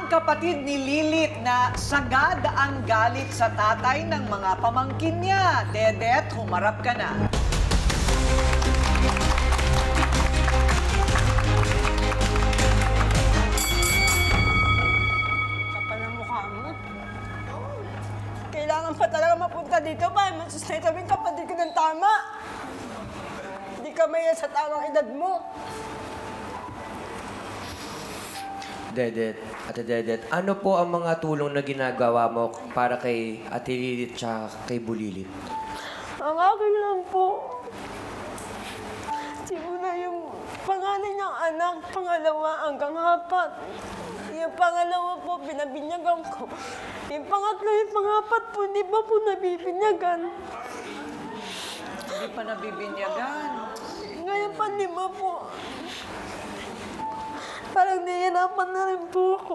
kapatid ni Lilith na sagad ang galit sa tatay ng mga pamangkin niya. Dedet, humarap ka na. Kapal ang mukha mo. Kailangan pa talaga mapunta dito para masustain sabihin kapatid ko ng tama. Hindi ka maya sa tamang edad mo. Dedet, Ate Dedet, ano po ang mga tulong na ginagawa mo para kay Ate Lilith at kay Bulilit? Ang akin lang po. Simula yung panganay ng anak, pangalawa hanggang apat. Yung pangalawa po, pinabinyagan ko. Yung pangatlo, yung pangapat po, hindi pa po nabibinyagan. Hindi pa nabibinyagan. Ngayon pa, lima po. Parang nahihirapan na rin po ako.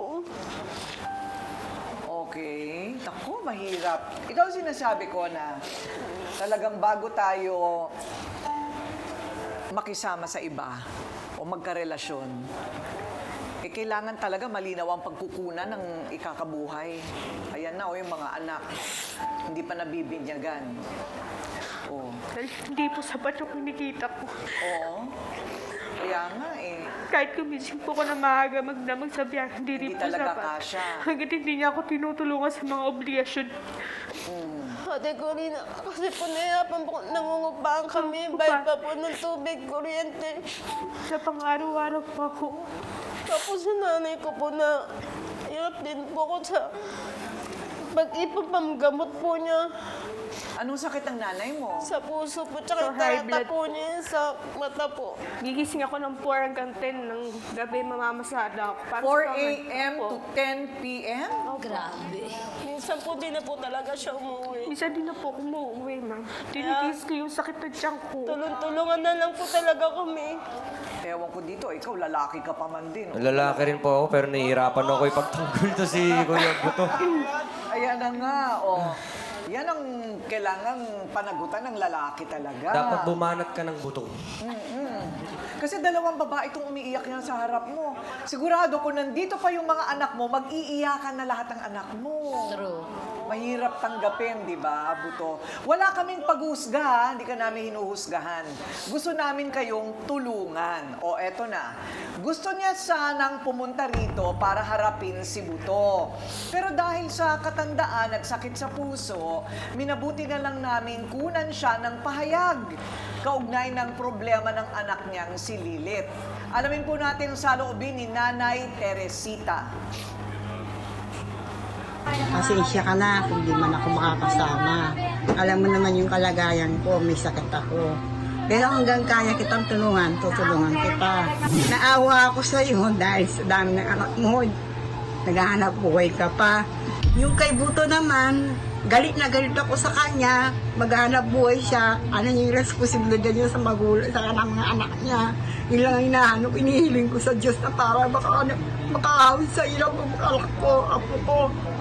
Okay. Naku, mahirap. Ito ang sinasabi ko na talagang bago tayo makisama sa iba o magkarelasyon, kailangan talaga malinaw ang pagkukunan ng ikakabuhay. Ayan na, o yung mga anak, hindi pa nabibinyagan. Oh. Hindi po sapat yung kinikita ko. Oo. Kaya nga eh. Kahit gumising po ko na maaga magdamag sa biyahe, hindi rin Hindi po talaga sapat. kasya. Hanggat hindi niya ako tinutulungan sa mga obligasyon. Ate Corina, kasi po nahihirapan po, nangungupaan kami, bayad pa po ng tubig, kuryente. Sa pang-araw-araw po ako. Tapos sa nanay ko po na hirap din po ako sa pag-ipon pamgamot po niya Anong sakit ng nanay mo? sa puso po, tsaka So, yung high tarata blood. po niya sa mata po. Gigising ako ng 4 hanggang 10 ng gabi, mamamasada ako. Para 4 sa a.m. po. to 10 p.m.? Grabe. Minsan po di na po talaga siya umuwi. Minsan din na po ako umuwi, ma'am. Tinitiis ko yung sakit ng tiyan ko. Tulong-tulungan na lang po talaga kami. Ewan ko dito, ikaw lalaki ka pa man din. Oh. Lalaki rin po ako pero nahihirapan ako ipagtanggol to si Kuya Buto. Ayan na nga, oh. Yan ang kailangang panagutan ng lalaki talaga. Dapat bumanat ka ng buto. Kasi dalawang babae itong umiiyak yan sa harap mo. Sigurado kung nandito pa yung mga anak mo, mag-iiyakan na lahat ng anak mo. True. Mahirap tanggapin, di ba, Buto? Wala kaming paghusga, hindi ka namin hinuhusgahan. Gusto namin kayong tulungan. O eto na, gusto niya sanang pumunta rito para harapin si Buto. Pero dahil sa katandaan at sakit sa puso, minabuti na lang namin kunan siya ng pahayag kaugnay ng problema ng anak niyang si Lilith. Alamin po natin ang saloobin ni Nanay Teresita. Pasensya ka na kung di man ako makakasama. Alam mo naman yung kalagayan ko, may sakit ako. Pero hanggang kaya kitang tulungan, tutulungan kita. Naawa ako sa iyo dahil sa dami ng anak mo. Naghahanap buhay ka pa. Yung kay Buto naman, galit na galit ako sa kanya. Maghahanap buhay siya. Ano yung responsibilidad niya sa magulang, sa mga anak niya. Yun lang ang hinahanap, inihiling ko sa Diyos na para makahawid sa ilang anak ko, apo ko.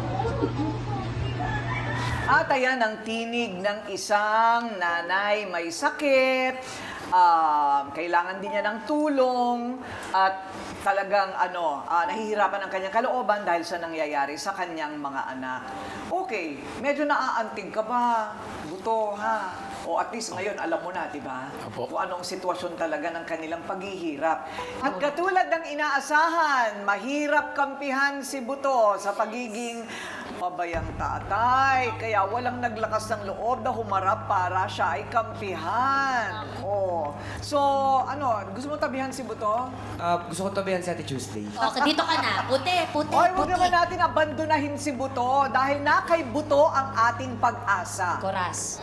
At ayan ang tinig ng isang nanay may sakit, kailangan din niya ng tulong, at talagang nahihirapan ang kanyang kalooban dahil sa nangyayari sa kanyang mga anak. Okay, medyo naaantig ka ba, Buto, ha? O at least ngayon, alam mo na, di ba? Kung anong sitwasyon talaga ng kanilang paghihirap. At katulad ng inaasahan, mahirap kampihan si Buto sa pagiging pabayang tatay. Kaya walang naglakas ng loob na humarap para siya ay kampihan. Oh. So, gusto mo tabihan si Buto? Gusto ko tabihan si Ate Tuesday. Okay, dito ka na. Puti, puti, Oy, huwag puti. naman natin abandonahin si Buto dahil na kay Buto ang ating pag-asa. Koras.